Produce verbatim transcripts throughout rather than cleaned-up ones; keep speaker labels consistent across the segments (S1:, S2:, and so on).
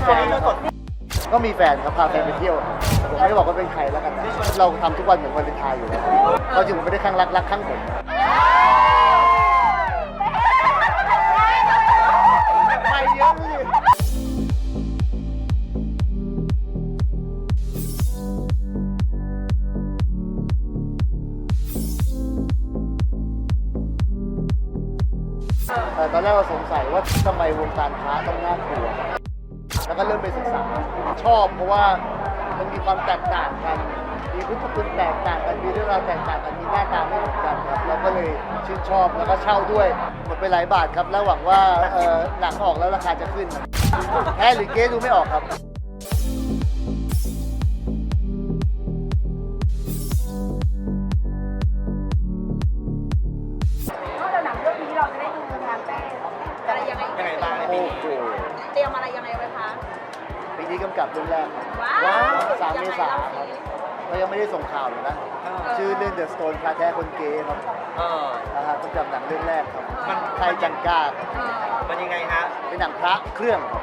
S1: ช่วงนี้คือสด
S2: ก็มีแฟนครับพาแฟนไปเที่ยวผมไม่ได้บอกว่าเป็นใครแล้วกันเราทำทุกวันเหมือนวันเลนไทน์อยู่แล้วเราจริงผมไม่ได้ข้างรักรักข้างผมไปเยอะเลยตอนแรกเราสงสัยว่าทำไมวงการพระต้องน่ากลัวแล้วก็เริ่มไปศึกษาชอบเพราะว่ามันมีความแตกต่างกันมีพุทธคุณแตกต่างกันมีเรื่องราวแตกต่างกันมีหน้าตาไม่เหมือนกันครับเราก็เลยชื่นชอบแล้วก็เช่าด้วยหมดไปหลายบาทครับแล้วหวังว่าหนังออกแล้วราคาจะขึ้นแพ้หรือเก๊ดูไม่ออกครับ
S3: นอกจากหนังเรื่องนี้เราจะได้ดูงานแต่งอะไรยังไงยังไงบ้างในปีนี้เตรียมอะไรยังไงไว้คะ
S2: ปีนี้กำกับเรื่องแรก
S3: ว้าว
S2: สามเมษายนครับเรายังไม่ได้ส่งข่าวเลยนะชื่อเรื่อง The Stone พระแท้คนเกย์ครับนะครับกำกับหนังเรื่องแรกครับมันไทยจังกา
S1: มันยังไงฮะ
S2: เป็นหนังพระเครื่องครับ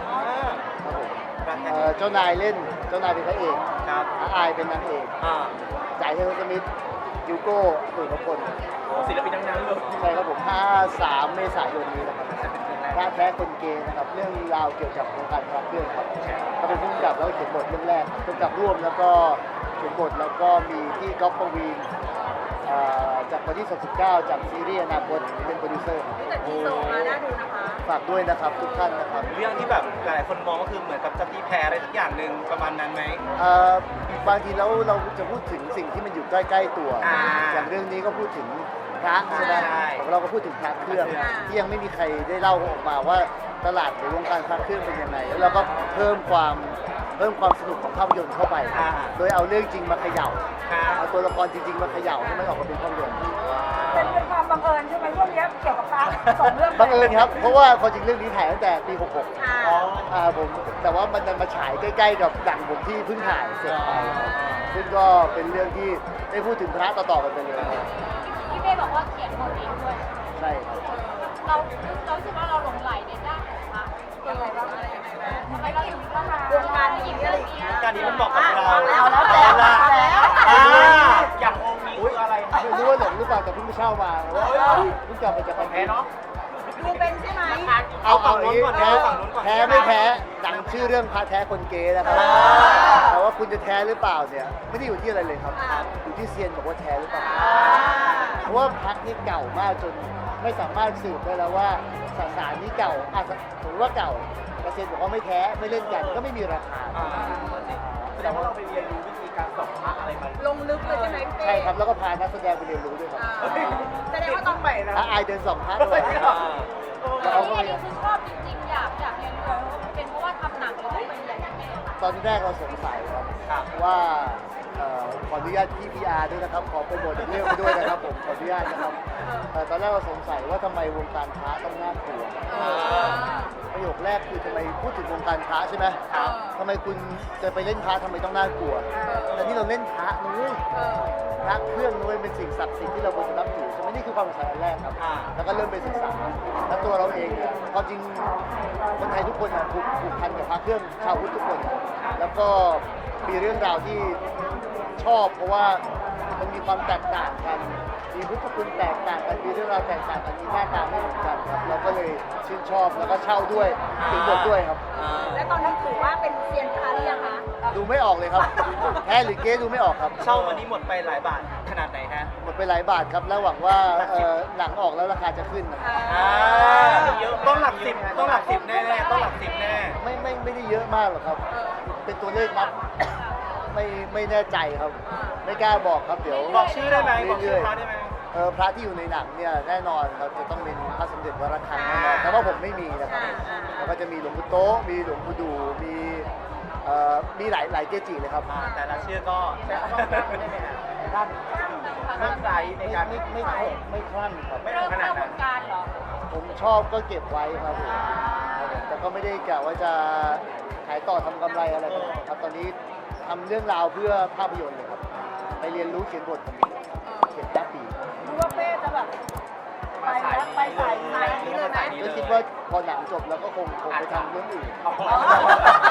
S2: เจ้านายเล่นเจ้านายเป็นพระเอกอาอายเป็นนางเอกจ่ายเทเลสมิธยูโก้ตู่นพล
S1: ศิลปินดังๆเลย
S2: ใช่ครับผมห้าสามเมษายนนี้นะครับพระแท้คนเกย์นะครับเรื่องราวเกี่ยวกับวงการพระเครื่องครับเขาเป็นผู้กำกับแล้วเขียนบทเรื่องแรกกำกับร่วมแล้วก็เขียนบทแล้วก็มีที่ก๊อฟปวีนจากวันที่สิบเก้าจากซีรีส์อนาคตเป็นโปรดิวเซอร์
S3: แต่ทีโซมาน่าดูนะคะ
S2: ฝากด้วยนะครับทุกท่านนะครับ
S1: เรื่องที่แบบหลายคนมองก็คือเหมือนกับจะตีแพ้อะไรสักอย่างหนึ่งประมาณนั้นไหม
S2: บางทีแล้วเราจะพูดถึงสิ่งที่มันอยู่ใกล้ๆตัวอย่างเรื่องนี้ก็พูดถึงพระใช่ไหมของเราก็พูดถึงพระเครื่องที่ยังไม่มีใครได้เล่าออกมาว่าตลาดในวงการพระเครื่องเป็นยังไงแล้วเราก็เพิ่มความเพิ่มความสนุกของภาพยนตร์เข้าไปโดยเอาเรื่องจริงมาเขย่าเอาตัวละครจริงๆมาเขย่าให้มันออกมาเป็นภาพยนตร์
S3: เป็นเป็นความบังเอิญใช่ไหมเรื่องนี้เกี่ยวกับพระสองเรื่อง
S2: บังเอิญครับเพราะว่าความจริงเรื่องนี้ถ่ายตั้งแต่ปีหกหกอ่าผมแต่ว่ามันมาฉายใกล้ๆกับหนังผมที่เพิ่งถ่ายเสร็จไปซึ่งก็เป็นเรื่องที่ได้พูดถึงพระต่อๆกันไปเลย
S3: พี่เป้บอกว่าเขียนบทเองด้วย
S2: ใช่ครับ
S3: เราเราคิดว่าเราหลงไหลในด้านของพระยังไงบ้างอะไรยังไงบ้างทำไมเราถึงเข้ามาวงการนี้อะไรอย่างเงี้ยว
S1: งการนี้มันบอกกับเรา
S3: แล้วแล้วแล้วแล้ว
S1: อย่างองค์นี้คืออะไร
S2: ไม่รู้ว่าหลงหรือเปล่าแต่เพิ่งไปเช่ามาเพิ่งกลับมาจากประเทศเนาะ
S3: ดูเป็นใช่ไหม
S2: เอาฝั่งนู้นก่อนแพ้แพ้ไม่แพ้ดังชื่อเรื่องพระแท้คนเกย์นะครับแต่ว่าคุณจะแท้หรือเปล่าเนี่ยไม่ได้อยู่ที่อะไรเลยครับอยู่ที่เซียนบอกว่าแท้หรือเปล่าเพราะว่าพระนี่เก่ามากจนไม่สามารถสืบได้แล้วว่าสสารนี้เก่าอ่ะถือว่าเก่าแต่เซียนบอกว่าไม่แท้ไม่เล่นกันก็ไม่มีราคา
S1: แสดงว่าเราไปเรียนรู้วิธีการส่องพระอะไรมา
S3: ลงลึกเลยใช่ไหม
S2: ใช่ครับแล้วก็พานักแสดงไปเรียนรู้ด้วยครับ
S3: แสดงว่าต้องไปนะ
S2: อายเดินสองพระด้วย
S3: แล้วอันนี้คือชอบจริงๆอยากอยากเรียนรู้เป็นเพราะว่าทำหนังหรือว่าเป็นอะไรอย่างเงี้ย
S2: ตอนแรกเราสงสัยครับว่าขออนุญาตพี่พีอาร์ด้วยนะครับขอโปรโมทเรื่องไปด้วยนะครับผมขออนุญาตนะครับตอนแรกเราสงสัยว่าทำไมวงการพระต้องน่ากลัวประโยคแรกคือทำไมพูดถึงวงการพระใช่ไหมทำไมคุณจะไปเล่นพระทำไมต้องน่ากลัวแต่นี่เราเล่นพระนุ้ยพระเครื่องนุ้ยเป็นสิ่งศักดิ์สิทธิ์ที่เราควรจะนับถือใช่ไหมนี่คือความสงสัยแรกครับแล้วก็เริ่มไปศึกษาแล้วตัวเราเองเนี่ยความจริงคนไทยทุกคนผูกผูกพันกับพระเครื่องชาวพุทธทุกคนแล้วก็มีเรื่องราวที่ชอบเพราะว่ามันมีความแตกต่างกันมีพุทธคุณแตกต่างกันมีเรื่องราวแตกต่างกันมีหน้าตาไม่เหมือนกันครับเราก็เลยชื่นชอบแล้วก็เช่าด้วยถึงบทด้วยครับ
S3: และตอนนี้ถือว่าเป็นเซียนพระหรือยังคะ
S2: ดูไม่ออกเลยครับแพ้หรือเก๊ดูไม่ออกครับ
S1: เช่าวันนี้หมดไปหลายบาทขนาดไหนฮะ
S2: หมดไปหลายบาทครับแล้วหวังว่าหนังออกแล้วราคาจะขึ้น
S1: ต้องหลักสิบต้องหลักสิบแน่ๆต้องหลักสิบแน่
S2: ไม่ไม่ไม่ได้เยอะมากหรอกครับเป็นตัวเลขนับไม่ไม่แน่ใจครับไม่กล้าบอกครับเดี๋ยว
S1: บอกชื่อได้ไหมบอกชื่อพระได้ไหม
S2: เออพระที่อยู่ในหนังเนี่ยแน่นอนครับจะต้องเป็นพระสมเด็จวรคังแน่นอนแต่ว่าผมไม่มีนะครับแล้วก็จะมีหลวงปู่โตมีหลวงปู่ดูมีเอ่อมีหลายหลายเกจิเลยครับ
S1: แต่ละชื่อก็แต่ก็ไม่ได้ไหมฮะท่านท่านใจในการ
S2: ไม่ไม่ไม่คลั่งครับ
S3: ไม่ขนาดนั้น
S2: ผมชอบก็เก็บไว้ครับแต่ก็ไม่ได้กะว่าจะขายต่อทำกำไรอะไรครับตอนนี้ทำเรื่องราวเพื่อภาพยนตร์เลยครับไปเรียนรู้เขียนบทผมเขียนแค่ปี
S3: ดูว่าเป้จะแบบไปแล้วไปใส่ใส่นี้เลยไหม
S2: ก็คิดว่าพอหนังจบแล้วก็คงคงไปทำเรื่องอื่น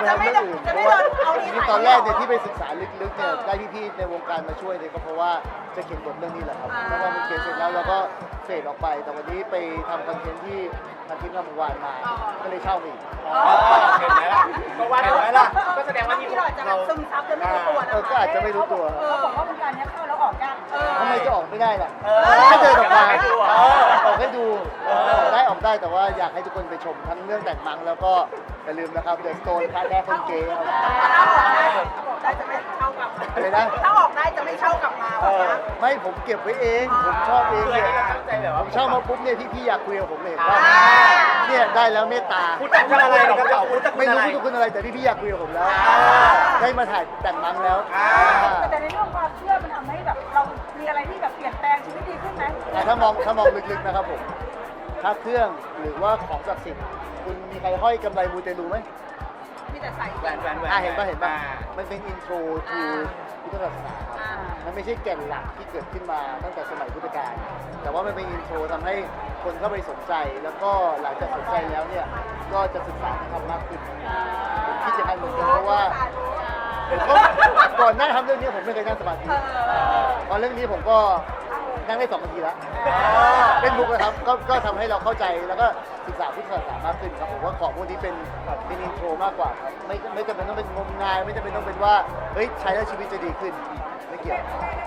S2: ทำเรื่องอื่นเพราะว่าจริงๆตอนแรกเนี่ยที่ไปศึกษาลึกๆเนี่ยได้พี่ๆในวงการมาช่วยเนี่ยก็เพราะว่าจะเขียนบทเรื่องนี้แหละครับแล้วก็มันเขียนเสร็จแล้วเราก็เฟดออกไปแต่วันนี้ไปทำคอนเทนต์ที่ทางทีมงานวานมาก็เลยเช่ามาอีก
S1: เห็นไหมล่ะก็ว่าเห็นไหมล่ะก็แสดงว่านี่
S3: ที่เราจะแบบซึมซับจนไม่รู้ตัวนะ
S2: เออก็อาจจะไม่รู้ตัว
S3: เขาบอกว่าวงการนี้เข้าแล้วออกยาก
S2: ทำไมจะออกไม่ได้ล่ะถ้าเดินออกมาออกให้ดูออกได้ออกได้แต่ว่าอยากให้ทุกคนไปชมทั้งเรื่องแต่งมังแล้วก็อย่าลืมนะครับเดอะสโตนค่าแท้คนเก๋ครับ
S3: ได้จะไม่เข้ากลับ
S2: อะไรนะ
S3: ถ้าออกได้จะไม่เข้ากลับมา
S2: ไม่ผมเก็บไว้เองผมชอบเอง
S1: เลย
S2: เนี่ย
S1: ตั้งใจแบบ
S2: ผ
S1: ว่าม
S2: ชอบมาปุ๊บเนี่ยพี่ๆอยากคุยกับผมเลยว่าเนี่ยได้แล้วเมตตา
S1: พูดแต่คุณอะไรนะครับเราพูดแต่คุณ
S2: ไม่
S1: อะไร
S2: รู้พูดคุณอะไรแต่พี่ๆอยากคุยกับผมแล้ว ได้มาถ่ายแต่งมังแล้ว
S3: แต่ในเรื่องความเชื่อมันทำให้แบบเรามีอะไรที่แบบเปลี่ยนแปลงชีวิตดีขึ้นไหม
S2: แต่ถ้ามองถ้ามองลึกๆนะครับผมถ้าเครื่องหรือว่าของศักดิ์สิทธิ์คุณมีใครห้อยกำไรมูเตลูไหม
S3: มีแต่ใส่
S1: แหวนแหวนแหวน
S2: อ่าเห็นป่ะเห็นป่ะ
S1: อ่า
S2: มันเป็นอินโทรทูพุทธศาสนาครับมันไม่ใช่แก่นหลักที่เกิดขึ้นมาตั้งแต่สมัยพุทธกาลแต่ว่ามันเป็นอินโทรทำให้คนเข้าไปสนใจ แล้วก็หลังจากสนใจแล้วเนี่ยก็จะศึกษาธรรมมากขึ้นผมคิดอย่างนั้นเหมือนกันเพราะว่าก็ก่อนหน้าทำเรื่องนี้ผมไม่เคยนั่งสมาธิตอนเรื่องนี้ผมก็นั่งได้สองนาทีแล้วเล่นมุกนะครับก็ก็ทำให้เราเข้าใจแล้วก็ศึกษาพุทธศาสนามากขึ้นครับผมว่าของพวกนี้เป็นเป็นอินโทรมากกว่าครับไม่ไม่จำเป็นต้องเป็นงมงายไม่จำเป็นต้องเป็นว่าเฮ้ยใช้แล้วชีวิตจะดีขึ้นไม่เกี่ยว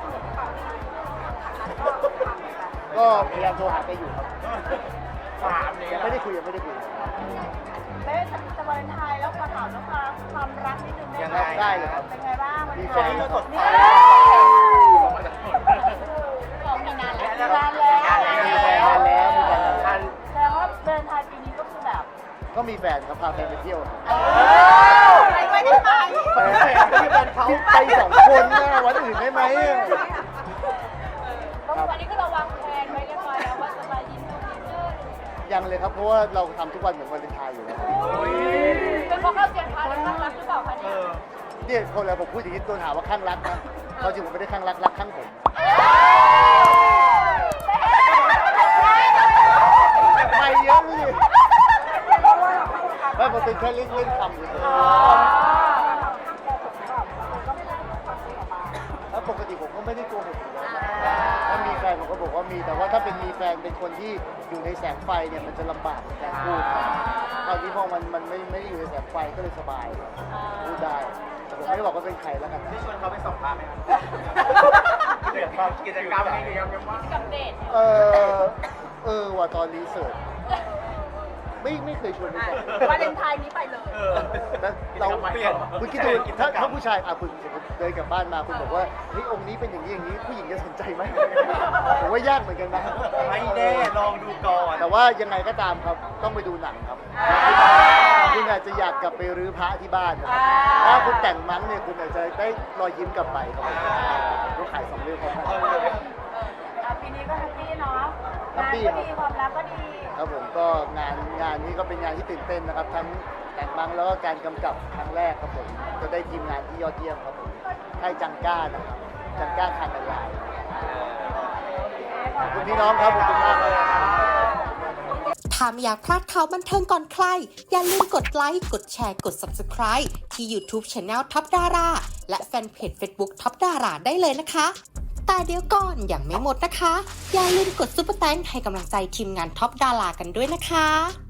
S2: ก็พยายามโทรหาแกอยู่ครับ
S1: ถามเนี่ย
S2: ยังไม่ได้คุยยังไม่ได้คุย
S3: เบ๊จะวาเลนไทน์แล้วมาถามแล้วความความรักนิดนึง
S2: ยังรับได้เลยครับ
S3: เป็นไงบ้างวัน
S2: มี
S3: นี้
S2: แฟน
S1: สดใส
S3: บอกมีนานแล้วนานแล้ว
S2: มีแฟนแล้วมีแฟนแล้ว
S3: แสดงว่าวาเลนไทน์ปีนี้ก็คือแบบ
S2: ก็มีแฟนครับพาแฟนไปเที่ยว
S3: ไม่ได้ไป
S2: แฟนที่บ้านเขาไปสองคนนะวันอื่นได้ไหม
S3: วันนี้ก็เราวางแผนไว้เรียบร้อยแล้วว่าจะไปยินดีด้วย
S2: ยังเลยครับเพราะว่าเราทำทุกวันเหมือนวันเลนไทน์อยู่แล้ว
S3: เป็นเพราะเข้าเสียงพาแล้วข้างรักหรือเปล่าคะ
S1: เอ
S3: เนี่ย
S1: อ
S2: เนี่ยคนเราผมพูดอย่างนี้โดนหาว่าข้างรักนะเขาจริงผมไม่ได้ข้างรักรักข้างผมไม่เยอะเลยไม่มันเป็นแค่เล่นเล่นคำเฉยๆแล้วปกติผมก็ไม่ได้โกหกอยู่แล้วถ้ามีแฟนผมก็บอกว่ามีแต่ว่าถ้าเป็นมีแฟนเป็นคนที่อยู่ในแสงไฟเนี่ยมันจะลำบากในการพูดตอนนี้พอมันมันไม่ไม่ได้อยู่ในแสงไฟก็เลยสบายพูดได้แต่ผมไม่ได้บอกว่าเป็นใครแล้วกัน
S1: ที่ชวนเขาไปส่งพาไหมครับกิจกรรมมีกิจกรรมยังว่า
S3: กับเดท
S2: เออเออว่าตอนรีเสิร์ชไม่ไม่เคยชวนไปก่อน
S3: วาเลนไทน์นี้ไปเลย
S1: เออ
S2: แล้วเรา
S1: เปลี่ยน
S2: คุณคิดดูถ้าถ้าผู้ชายอ่ะคุณสมมติเดินกลับบ้านมาคุณบอกว่าเฮ้ยองค์นี้เป็นอย่างนี้อย่างนี้ผู้หญิงจะสนใจไหมผมว่ายากเหมือนกันนะ
S1: ไม่แน่ลองดูก่อน
S2: แต่ว่ายังไงก็ตามครับต้องไปดูหนังครับคุณอาจจะอยากกลับไปรื้อพระที่บ้านนะครับถ้าคุณแต่งมั้งเนี่ยคุณอาจจะได้รอยยิ้มกลับไปครับผมต้องขายสองเรื่องพร้อมกัน
S3: ปีนี้ก็แฮปปี้เนาะ
S2: แฮปปี้
S3: งานก็ดีความรักก็ดี
S2: ครับผมก็งานงานนี้ก็เป็นงานที่ตื่นเต้นนะครับ ทั้งแต่งมังแล้วก็การกำกับครั้งแรกครับผมก็ได้ทีมงานที่ยอดเยี่ยมครับผมค่ายจังก้านะครับจังก้าคานไลน์ขอบคุณพี่น้องครับขอบคุณมากเลย
S4: ถ้าไม่อยากพลาดข่าวบันเทิงก่อนใคร อย่าลืมกดไลค์ กดแชร์ กด ซับสไครบ์ ที่ YouTube Channel ท็อปดาราและแฟนเพจ Facebook ท็อปดาราได้เลยนะคะ แต่เดี๋ยวก่อนยังไม่หมดนะคะ อย่าลืมกดซุปเปอร์แตงให้กำลังใจทีมงานท็อปดารากันด้วยนะคะ